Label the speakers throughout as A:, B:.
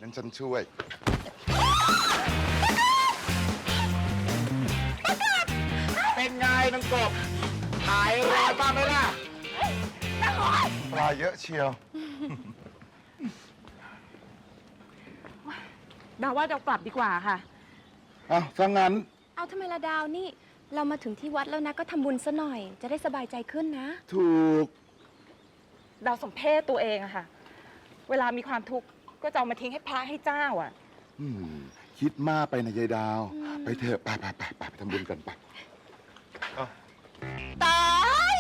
A: งั้นฉันช่วย
B: เป็นไงนางกบหายร้อนบ้างไหมล่ะ
A: ปลาเยอะเชียว
C: ดาวว่าเรากลับดีกว่าค่ะ
A: อ้าวถ้างั้น
D: เอาทำไมละดาวนี่ เรามาถึงที่วัดแล้วนะก็ทำบุญซะหน่อย จะได้สบายใจขึ้นนะ
A: ถูก
C: ดาวสมเพศตัวเองอะค่ะ เวลามีความทุกข์ก็จะเอามาทิ้งให้พระให้เจ้าอะ
A: คิดมากไปนะยายดาว ไปเถอะไปทำบุญกันไป
E: ตาย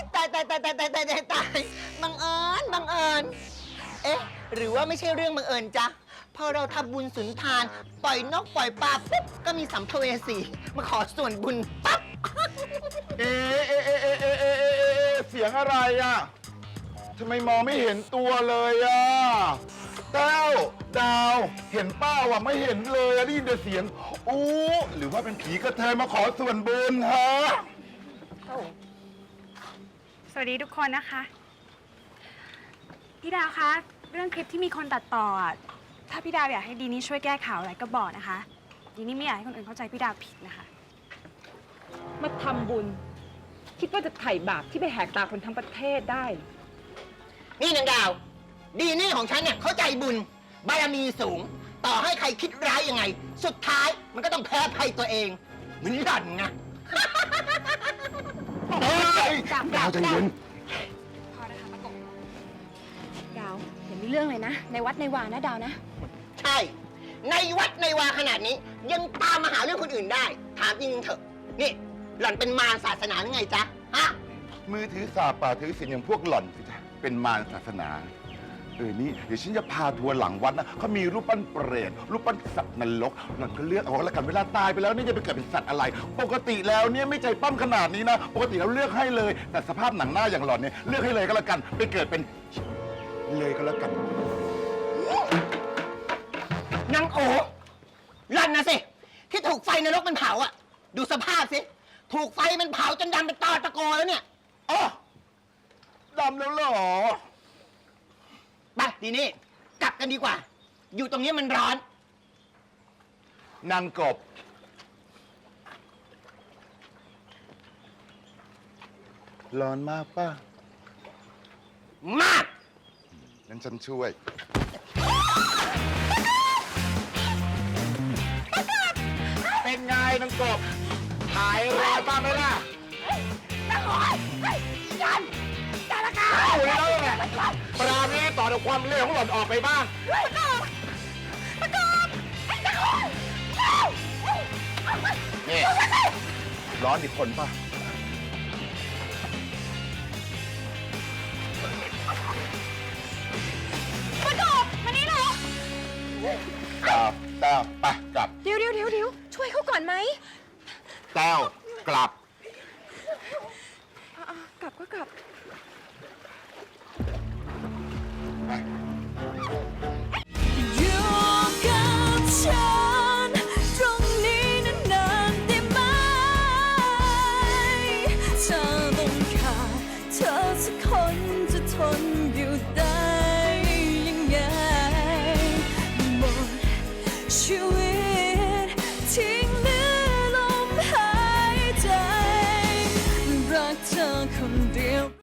E: บังเอิญเอ๊ะหรือว่าไม่ใช่เรื่องบังเอิญจ๊ะพอเราทำบุญสุนทานปล่อยนกปล่อยปลาปุ๊บก็มีสัมภเวสีมาขอส่วนบุญปั๊บ
A: เเสียงอะไรอ่ะทำไมมองไม่เห็นตัวเลยอ่ะแต้วดาวเห็นป้าว่ะไม่เห็นเลยอะได้ยินแต่เสียงอู้หรือว่าเป็นผีกระเทยมาขอส่วนบุญฮะ
F: สวัสดีทุกคนนะคะ พี่ดาวคะเรื่องคลิปที่มีคนตัดต่อถ้าพี่ดาวอยากให้ดีนี่ช่วยแก้ข่าวอะไรก็บอกนะคะดีนี่ไม่อยากให้คนอื่นเข้าใจพี่ดาวผิดนะคะ
C: มาทำบุญ คิดว่าจะไถ่บาปที่ไปแหกตาคนทั้งประเทศได้
E: นี่นางดาว ดีนี่ของฉันเนี่ยเข้าใจบุญบารมีสูง ต่อให้ใครคิดร้ายยังไง สุดท้ายมันก็ต้องแพ้ภัยตัวเองเหมือนหล่อนไง
A: ดาวใจเย็น
F: พอนะคะมะกบ
D: ดาวอย่ามีเรื่องเลยนะ ในวัดในวานะดาวนะ
E: ใช่ ในวัดในวาขนาดนี้ ยังตามมาหาเรื่องคนอื่นได้ ถามจริงๆเถอะ นี่ หล่อนเป็นมารศาสนาหรือไงจ๊ะ ฮะ
A: มือถือสาป่าถือศีลอย่างพวกหล่อนสิจ๊ะเป็นมารศาสนานี่เดี๋ยวฉันจะพาทัวร์หลังวัดนะเขามีรูปปั้นเปรตรูปปั้นสัตว์นรกหล่อนก็เลือกเอาแล้วกันเวลาตายไปแล้วนี่จะไปเกิดเป็นสัตว์อะไร ปกติแล้วเนี่ยไม่ใจปั้มขนาดนี้นะปกติเราเลือกให้เลย แต่สภาพหนังหน้าอย่างหล่อนเนี่ยเลือกให้เลยก็แล้วกันไปเกิดเป็นเลยก็แล้วกัน
E: นางโอหล่อนนะสิ ที่ถูกไฟนรกมันเผาอ่ะ ดูสภาพสิ ถูกไฟมันเผาจนดำเป็นตอตะโกแล้วเนี่ย
A: อ๋อดำแล้วเหรอ
E: ไปทีนี้กลับกันดีกว่า อยู่ตรงนี้มันร้อน
A: นางกบ ร้อนมากป่ะ
E: มาก
A: งั้นฉันช่วย
B: เป็นไงนางกบหายร้อนบ้างไหมล่ะเอาแล้วไงปราณีต่อจากความเลวของหล่อนออกไปบ้าง
A: นี่ ร้อนอีกคนป่ะ แต้วไปกลับ
D: เดี๋ยวช่วยเขาก่อนไหม
A: แต้วกลับ
D: กลับก็กลับ
A: ไป
G: อยู่กับฉันตรงนี้นานๆได้ไหมเธอต้องขาดเธอสักคนจะทน